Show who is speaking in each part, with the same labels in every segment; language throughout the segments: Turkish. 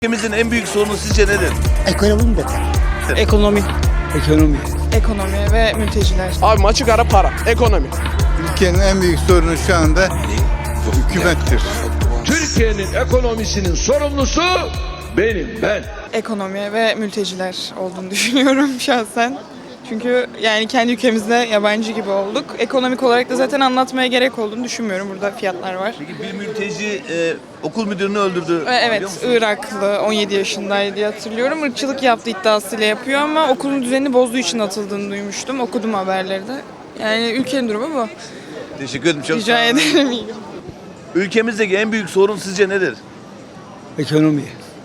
Speaker 1: Ülkemizin en büyük sorunu sizce nedir?
Speaker 2: Ekonomi mi?
Speaker 3: Ekonomi.
Speaker 4: Ekonomi ve mülteciler.
Speaker 3: Abi açık ara para. Ekonomi.
Speaker 5: Ülkenin en büyük sorunu şu anda hükümettir.
Speaker 6: Türkiye'nin ekonomisinin sorumlusu ben.
Speaker 4: Ekonomi ve mülteciler olduğunu düşünüyorum şahsen. Çünkü yani kendi ülkemizde yabancı gibi olduk. Ekonomik olarak da zaten anlatmaya gerek olduğunu düşünmüyorum. Burada fiyatlar var.
Speaker 1: Peki bir mülteci okul müdürünü öldürdü.
Speaker 4: Evet,
Speaker 1: biliyor musun?
Speaker 4: Iraklı, 17 yaşındaydı diye hatırlıyorum. Irkçılık yaptığı iddiasıyla yapıyor ama okulun düzenini bozduğu için atıldığını duymuştum. Okudum haberleri de. Yani ülkenin durumu bu.
Speaker 1: Teşekkür ederim. Çok
Speaker 4: Rica
Speaker 1: sağ olun.
Speaker 4: ederim.
Speaker 1: Ülkemizdeki en büyük sorun sizce nedir?
Speaker 7: Ekonomi.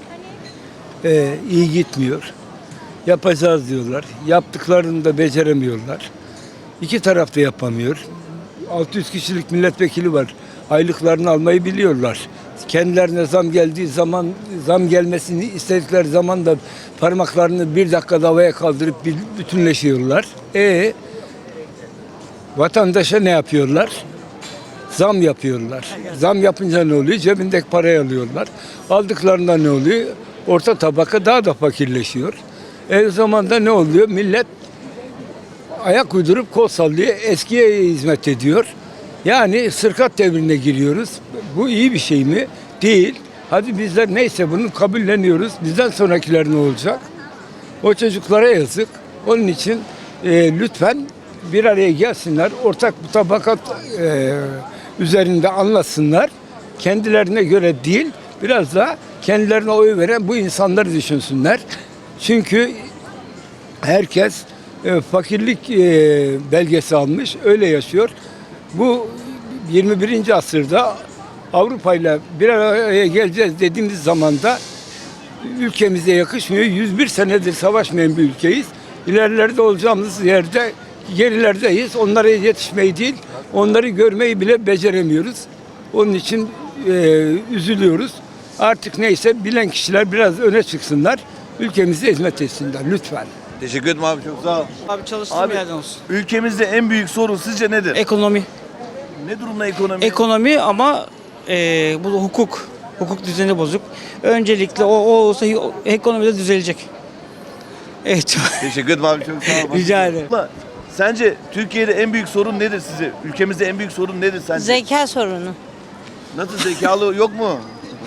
Speaker 7: İyi gitmiyor. Yapacağız diyorlar. Yaptıklarını da beceremiyorlar. İki taraf da yapamıyor. 600 kişilik milletvekili var. Aylıklarını almayı biliyorlar. Kendilerine zam geldiği zaman, zam gelmesini istedikleri zaman da parmaklarını bir dakikada havaya kaldırıp bütünleşiyorlar. Vatandaşa ne yapıyorlar? Zam yapıyorlar. Zam yapınca ne oluyor? Cebindeki parayı alıyorlar. Aldıklarında ne oluyor? Orta tabaka daha da fakirleşiyor. O zaman da ne oluyor? Millet ayak uydurup kol sallıyor. Eskiye hizmet ediyor. Yani sırkat devrine giriyoruz. Bu iyi bir şey mi? Değil. Hadi bizler neyse bunu kabulleniyoruz. Bizden sonrakiler ne olacak? O çocuklara yazık. Onun için lütfen bir araya gelsinler. Ortak mutabakat üzerinde anlasınlar. Kendilerine göre değil, biraz da kendilerine oy veren bu insanları düşünsünler. Çünkü herkes fakirlik belgesi almış, öyle yaşıyor. Bu 21. asırda Avrupa ile bir araya geleceğiz dediğimiz zaman da ülkemize yakışmıyor. 101 senedir savaşmayan bir ülkeyiz. İlerilerde olacağımız yerde gerilerdeyiz. Onlara yetişmeyi değil, onları görmeyi bile beceremiyoruz. Onun için üzülüyoruz. Artık neyse bilen kişiler biraz öne çıksınlar. Ülkemize hizmet etsinler lütfen.
Speaker 1: Teşekkür ederim abi, çok sağ ol.
Speaker 3: Abi çalıştığım
Speaker 1: Abi,
Speaker 3: yerden olsun.
Speaker 1: ülkemizde en büyük sorun sizce nedir?
Speaker 3: Ekonomi.
Speaker 1: Ne durumda ekonomi?
Speaker 3: Ekonomi ama bu da hukuk. Hukuk düzeni bozuk. Öncelikle o olsa ekonomi de düzelecek. Evet.
Speaker 1: Teşekkür ederim abi, çok sağ ol.
Speaker 3: Rica ederim.
Speaker 1: Abla, sence Türkiye'de en büyük sorun nedir size? Ülkemizde en büyük sorun nedir sence?
Speaker 8: Zeka sorunu.
Speaker 1: Nasıl, zekalı yok mu?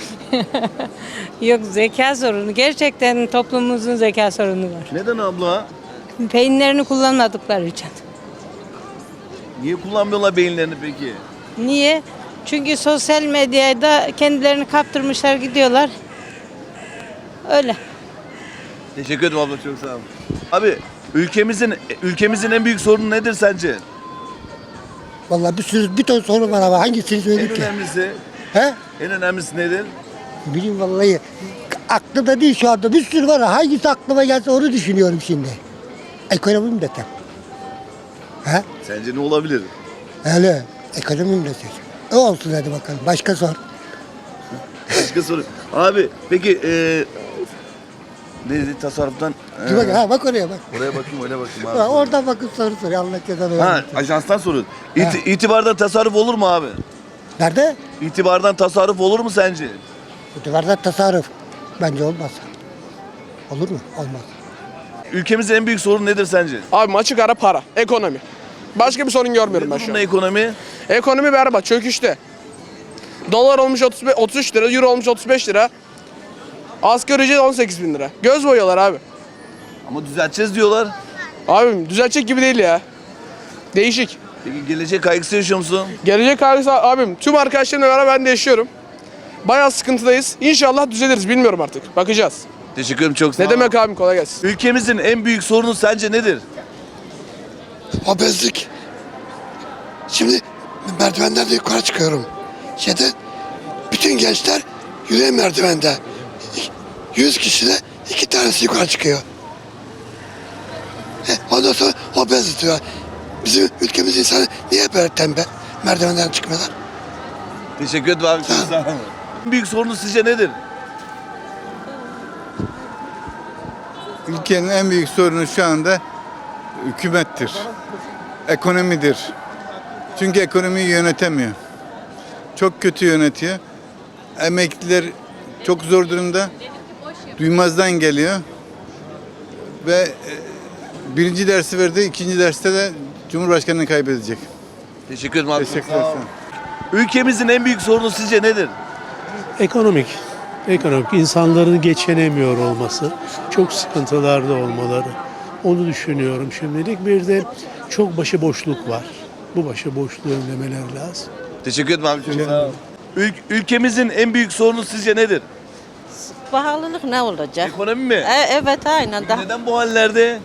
Speaker 8: Yok, zeka sorunu. Gerçekten toplumumuzun zeka sorunu var.
Speaker 1: Neden abla?
Speaker 8: Beyinlerini kullanmadıkları için.
Speaker 1: Niye kullanmıyorlar beyinlerini peki?
Speaker 8: Niye? Çünkü sosyal medyada kendilerini kaptırmışlar gidiyorlar. Öyle.
Speaker 1: Teşekkür ederim abla, çok sağ ol. Abi, ülkemizin en büyük sorunu nedir sence?
Speaker 2: Vallahi bir ton soru var ama hangisini
Speaker 1: En
Speaker 2: söyleyeyim ki?
Speaker 1: önemlisi,
Speaker 2: He?
Speaker 1: en önemlisi nedir?
Speaker 2: Bileyim vallahi. Aklımda değil şu anda. Bir sürü var. Hangisi aklıma gelse onu düşünüyorum şimdi. Ekonomi mi desem? He?
Speaker 1: Sence ne olabilir?
Speaker 2: Öyle. Ekonomi mi desem? O olsun hadi bakalım. Başka sor.
Speaker 1: Başka soru. Abi, peki neydi tasarruftan?
Speaker 2: Dur bak, ha, bak oraya bak.
Speaker 1: Oraya bakayım, öyle bakayım abi.
Speaker 2: Ha, oradan bakıp soru soruyor. Allah cezanı
Speaker 1: Ha,
Speaker 2: vermesin.
Speaker 1: ajanstan soruyorsun.
Speaker 2: Ha.
Speaker 1: İtibardan tasarruf olur mu abi?
Speaker 2: Nerede?
Speaker 1: İtibardan tasarruf olur mu sence?
Speaker 2: Bu duvarda tasarruf. Bence olmaz. Olur mu? Olmaz.
Speaker 1: Ülkemizin en büyük sorunu nedir sence?
Speaker 3: Abi açık ara para. Ekonomi. Başka bir sorun görmüyorum ben
Speaker 1: Ne
Speaker 3: şu
Speaker 1: durumda
Speaker 3: an.
Speaker 1: ekonomi?
Speaker 3: Ekonomi berbat, çöküşte. Dolar olmuş 33 lira, euro olmuş 35 lira. Asgari ücret 18 bin lira. Göz boyuyorlar abi.
Speaker 1: Ama düzelteceğiz diyorlar.
Speaker 3: Abim düzelecek gibi değil ya. Değişik.
Speaker 1: Peki gelecek kaygısı yaşıyor musun?
Speaker 3: Gelecek kaygısı abim. Tüm arkadaşlarımla beraber ben de yaşıyorum. Bayağı sıkıntıdayız. İnşallah düzeliriz. Bilmiyorum artık. Bakacağız.
Speaker 1: Teşekkür ederim, çok sağ ol.
Speaker 3: Ne demek abim, kolay gelsin.
Speaker 1: Ülkemizin en büyük sorunu sence nedir?
Speaker 9: Obezlik. Şimdi merdivenlerde yukarı çıkıyorum. Bütün gençler yürüyen merdivende. 100 kişide 2 tanesi yukarı çıkıyor. Ondan sonra obez diyor. Bizim ülkemiz insanı niye böyle tembel merdivenden çıkmıyorlar?
Speaker 1: Teşekkür ederim abi, çok sağ ol. En büyük sorunu sizce nedir?
Speaker 5: Ülkenin en büyük sorunu şu anda hükümettir. Ekonomidir. Çünkü ekonomiyi yönetemiyor. Çok kötü yönetiyor. Emekliler çok zor durumda. duymazdan geliyor. Ve birinci dersi verdi, ikinci derste de Cumhurbaşkanı'nı kaybedecek.
Speaker 1: Teşekkür ederim abi.
Speaker 5: Teşekkür
Speaker 1: Sağ olun.
Speaker 5: ederim.
Speaker 1: Ülkemizin en büyük sorunu sizce nedir?
Speaker 10: Ekonomik. Ekonomik. İnsanların geçinemiyor olması. Çok sıkıntılarda olmaları. Onu düşünüyorum şimdilik. Bir de çok başıboşluk var. Bu başıboşluğu önlemeler lazım.
Speaker 1: Teşekkür ederim abi. Çok sağ olun. Ülkemizin en büyük sorunu sizce nedir?
Speaker 8: Pahalılık ne olacak?
Speaker 1: Ekonomi mi?
Speaker 8: Evet aynen.
Speaker 1: Neden bu hallerde?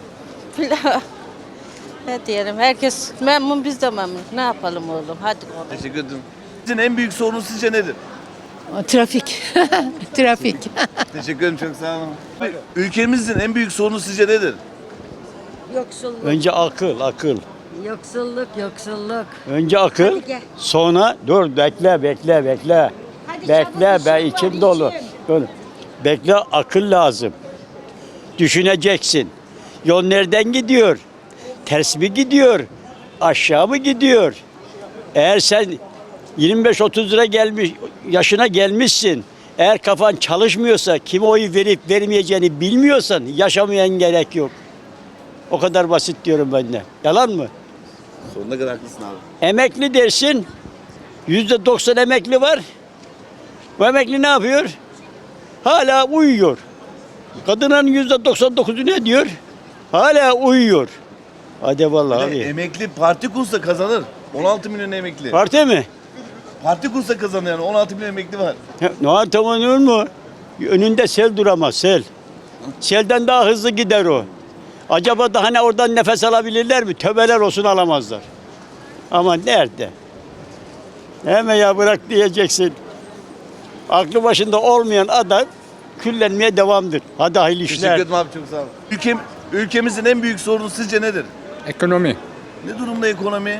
Speaker 8: Ne diyelim, herkes memnun, biz de memnun. Ne yapalım oğlum, hadi oğlum.
Speaker 1: Teşekkür ederim. Sizin en büyük sorunu sizce nedir?
Speaker 8: Trafik. Trafik.
Speaker 1: Teşekkür ederim, çok sağ olun. Ülkemizin en büyük sorunu sizce nedir?
Speaker 8: Yoksulluk.
Speaker 11: Önce akıl.
Speaker 8: Yoksulluk.
Speaker 11: Önce akıl,
Speaker 8: Hadi gel.
Speaker 11: sonra dur bekle. Bekle ben içim dolu. Dur. Bekle, akıl lazım. Düşüneceksin. Yol nereden gidiyor? Ters mi gidiyor? Aşağı mı gidiyor? Eğer sen 25-30 lira yaşına gelmişsin. Eğer kafan çalışmıyorsa, kime oyu verip vermeyeceğini bilmiyorsan yaşamayan gerek yok. O kadar basit diyorum ben de. Yalan mı?
Speaker 1: Sonuna kadar haklısın abi.
Speaker 11: Emekli dersin. %90 emekli var. Bu emekli ne yapıyor? Hala uyuyor. Kadının %99'u ne diyor? Hala uyuyor. Hadi vallahi abi.
Speaker 1: Emekli parti kursa kazanır. 16 milyon emekli.
Speaker 11: Parti mi?
Speaker 1: Parti kursa kazanır yani. 16 milyon emekli var.
Speaker 11: Ne tamam mu? Önünde sel duramaz, sel. Selden daha hızlı gider o. Acaba da hani oradan nefes alabilirler mi? Tövbeler olsun, alamazlar. Ama nerede? Hemen ya bırak diyeceksin. Aklı başında olmayan adam küllenmeye devamdır. Hadi hayırlı
Speaker 1: Teşekkür
Speaker 11: işler.
Speaker 1: ederim abi, çok sağ olun. Ülkemizin en büyük sorunu sizce nedir?
Speaker 12: Economy.
Speaker 1: Ne durumda ekonomi?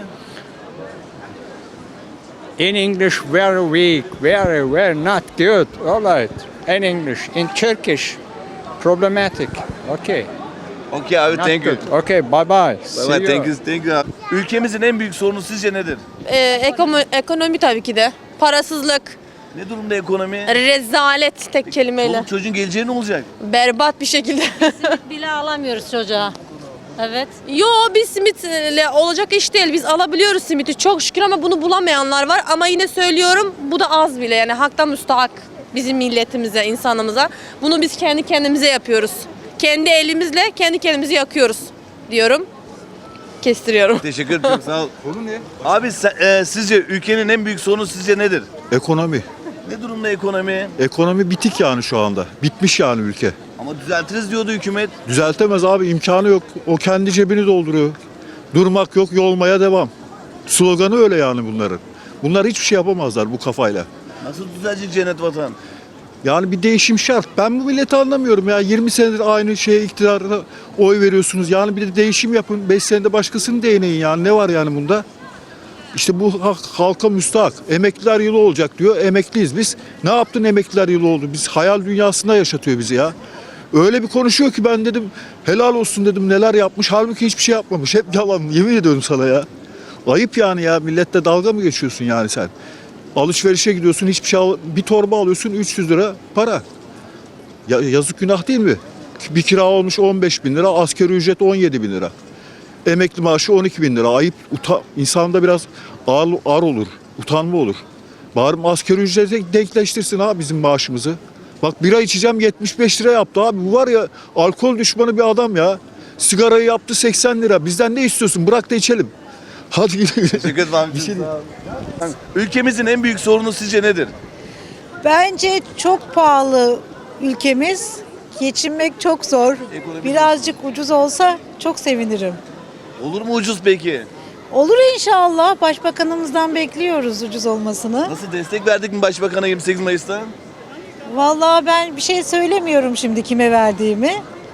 Speaker 12: In English, very weak, very not good. All right. In English, in Turkish, problematic. Okay.
Speaker 1: Okay abi,
Speaker 12: Not
Speaker 1: thank you.
Speaker 12: good. Okay, bye bye.
Speaker 1: Bye
Speaker 12: See
Speaker 1: bye,
Speaker 12: you.
Speaker 1: thank you abi. Ülkemizin en büyük sorunu sizce nedir?
Speaker 13: Ekonomi tabii ki de. Parasızlık,
Speaker 1: Ne durumda ekonomi?
Speaker 13: rezalet tek kelimeyle.
Speaker 1: Çoluk çocuğun geleceği ne olacak?
Speaker 13: Berbat bir şekilde.
Speaker 8: Bile alamıyoruz çocuğa. Evet.
Speaker 13: Yo, biz simitle olacak iş değil. Biz alabiliyoruz simiti çok şükür ama bunu bulamayanlar var. Ama yine söylüyorum, bu da az bile. Yani haktan müstahak bizim milletimize, insanımıza. Bunu biz kendi kendimize yapıyoruz. Kendi elimizle kendi kendimizi yakıyoruz diyorum. Kestiriyorum.
Speaker 1: Teşekkür ederim, çok sağ ol. Konu ne? Abi sizce ülkenin en büyük sorunu sizce nedir?
Speaker 14: Ekonomi.
Speaker 1: Ne durumda ekonomi?
Speaker 14: Ekonomi bitik yani şu anda. Bitmiş yani ülke.
Speaker 1: Ama düzeltiriz diyordu hükümet.
Speaker 14: Düzeltemez abi, imkanı yok. O kendi cebini dolduruyor. Durmak yok, yolmaya devam. Sloganı öyle yani bunların. Bunlar hiçbir şey yapamazlar bu kafayla.
Speaker 1: Nasıl düzelecek cennet vatan?
Speaker 14: Yani bir değişim şart. Ben bu milleti anlamıyorum ya. 20 senedir aynı şeye, iktidara oy veriyorsunuz. Yani bir de değişim yapın. 5 senede başkasını değneyin yani. Ne var yani bunda? İşte bu halka müstahak. Emekliler yılı olacak diyor. Emekliyiz biz. Ne yaptın emekliler yılı oldu? Biz hayal dünyasında yaşatıyor bizi ya. Öyle bir konuşuyor ki ben dedim helal olsun dedim, neler yapmış. Halbuki hiçbir şey yapmamış. Hep yalan. Yemin ediyorum sana ya. Ayıp yani ya. Millette dalga mı geçiyorsun yani sen? Alışverişe gidiyorsun, hiçbir şey bir torba alıyorsun, 300 lira para. Ya, yazık, günah değil mi? Bir kira olmuş 15 bin lira, asgari ücret 17 bin lira. Emekli maaşı 12 bin lira. Ayıp, insanda biraz ağır olur, utanma olur. Bari asgari ücrete denkleştirsin ha bizim maaşımızı. Bak, bira içeceğim 75 lira yaptı abi. Bu var ya, alkol düşmanı bir adam ya. Sigarayı yaptı 80 lira. Bizden ne istiyorsun? Bırak da içelim. Hadi gidelim.
Speaker 1: Teşekkür ederim abi. Ülkemizin en büyük sorunu sizce nedir?
Speaker 13: Bence çok pahalı ülkemiz. Geçinmek çok zor. Birazcık ucuz olsa çok sevinirim.
Speaker 1: Olur mu ucuz peki?
Speaker 13: Olur inşallah. Başbakanımızdan bekliyoruz ucuz olmasını.
Speaker 1: Nasıl, destek verdik mi başbakana 28 Mayıs'ta?
Speaker 13: Vallahi ben bir şey söylemiyorum şimdi kime verdiğimi.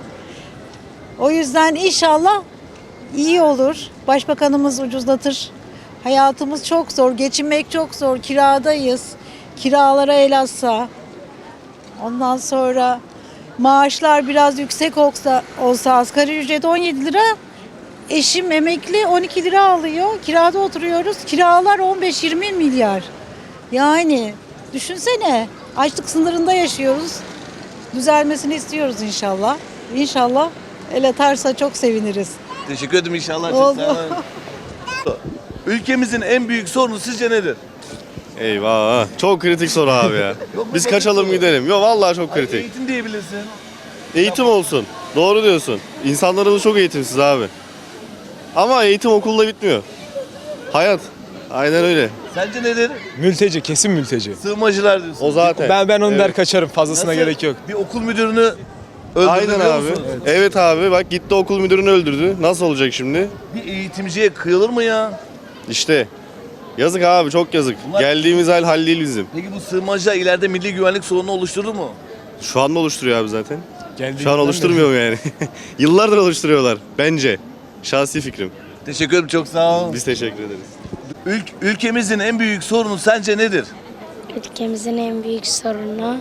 Speaker 13: O yüzden inşallah iyi olur. Başbakanımız ucuzlatır. Hayatımız çok zor, geçinmek çok zor. Kiradayız. Kiralara el atsa. Ondan sonra maaşlar biraz yüksek olsa asgari ücret 17 lira. Eşim emekli 12 lira alıyor. Kirada oturuyoruz. Kiralar 15-20 milyar. Yani düşünsene, açlık sınırında yaşıyoruz. Düzelmesini istiyoruz inşallah. İnşallah el atarsa çok seviniriz.
Speaker 1: Teşekkür ederim inşallah. Çok
Speaker 13: Oldu.
Speaker 1: sağ olun. Ülkemizin en büyük sorunu sizce nedir?
Speaker 15: Eyvah. Çok kritik soru abi ya.
Speaker 1: Yok mu
Speaker 15: Biz
Speaker 1: basit
Speaker 15: kaçalım
Speaker 1: soru?
Speaker 15: gidelim. Yok vallahi çok kritik.
Speaker 1: Eğitim diyebilirsin.
Speaker 15: Eğitim olsun. Doğru diyorsun. İnsanlarımız çok eğitimsiz abi. Ama eğitim okulda bitmiyor. Hayat. Aynen öyle.
Speaker 1: Sence nedir?
Speaker 16: Mülteci, kesin mülteci.
Speaker 1: Sığınmacılar diyorsun.
Speaker 15: O zaten.
Speaker 16: Ben onu der
Speaker 15: Evet.
Speaker 16: kaçarım. Fazlasına
Speaker 1: Nasıl?
Speaker 16: gerek yok.
Speaker 1: Bir okul müdürünü öldürdü
Speaker 15: Aynen
Speaker 1: biliyor
Speaker 15: abi.
Speaker 1: musun?
Speaker 15: Evet abi bak gitti okul müdürünü öldürdü. Nasıl olacak şimdi?
Speaker 1: Bir eğitimciye kıyılır mı ya?
Speaker 15: İşte. Yazık abi çok yazık.
Speaker 1: Bunlar-
Speaker 15: Geldiğimiz hal değil bizim.
Speaker 1: Peki bu sığınmacılar ileride milli güvenlik sorunu oluşturur mu?
Speaker 15: Şu anda oluşturuyor abi zaten.
Speaker 16: Geldiğimizden
Speaker 15: Şu an oluşturmuyor mu yani? Yıllardır oluşturuyorlar bence. Şahsi fikrim.
Speaker 1: Teşekkür ederim, çok sağ ol.
Speaker 15: Biz teşekkür ederiz.
Speaker 1: Ülkemizin en büyük sorunu sence nedir?
Speaker 13: Ülkemizin en büyük sorunu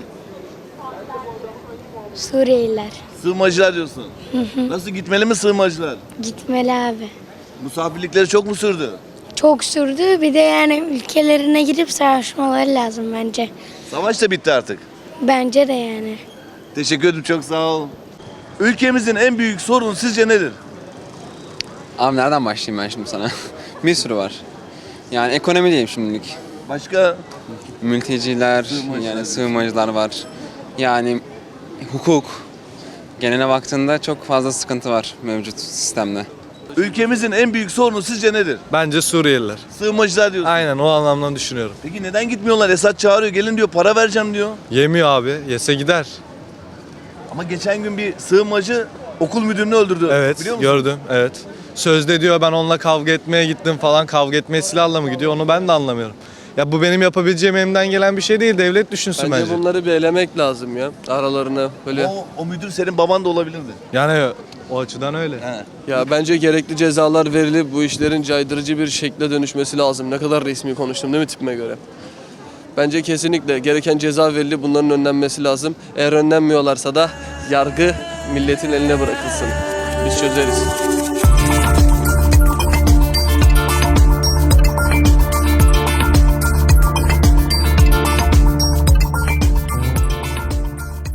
Speaker 13: Suriyeliler.
Speaker 1: Sığınmacılar diyorsun. Nasıl, gitmeli mi sığınmacılar?
Speaker 13: Gitmeli abi.
Speaker 1: Misafirlikleri çok mu sürdü?
Speaker 13: Çok sürdü. Bir de yani ülkelerine gidip savaşmaları lazım bence.
Speaker 1: Savaş da bitti artık.
Speaker 13: Bence de yani.
Speaker 1: Teşekkür ederim, çok sağ ol. Ülkemizin en büyük sorunu sizce nedir?
Speaker 3: Abi nereden başlayayım ben şimdi sana? Bir sürü var. Yani ekonomi diyeyim şimdilik.
Speaker 1: Başka?
Speaker 3: Mülteciler, yani sığınmacılar var. Yani hukuk. Geneline baktığında çok fazla sıkıntı var mevcut sistemde.
Speaker 1: Ülkemizin en büyük sorunu sizce nedir?
Speaker 16: Bence Suriyeliler.
Speaker 1: Sığınmacılar diyorsun.
Speaker 16: Aynen o anlamdan düşünüyorum.
Speaker 1: Peki neden gitmiyorlar? Esad çağırıyor, gelin diyor, para vereceğim diyor.
Speaker 16: Yemiyor abi. Yese gider.
Speaker 1: Ama geçen gün bir sığınmacı okul müdürünü öldürdü.
Speaker 16: Evet
Speaker 1: Biliyor musun?
Speaker 16: gördüm. Evet. Sözde diyor ben onunla kavga etmeye gittim falan. Kavga etmeye silahla mı gidiyor onu ben de anlamıyorum. Ya bu benim yapabileceğim elimden gelen bir şey değil. Devlet düşünsün bence.
Speaker 3: bunları bir elemek lazım ya aralarına böyle.
Speaker 1: O müdür senin baban da olabilirdi.
Speaker 16: Yani o açıdan öyle.
Speaker 3: Ya bence gerekli cezalar verilip bu işlerin caydırıcı bir şekle dönüşmesi lazım. Ne kadar resmi konuştum değil mi tipime göre? Bence kesinlikle gereken ceza verilip bunların önlenmesi lazım. Eğer önlenmiyorlarsa da yargı milletin eline bırakılsın. Biz çözeriz.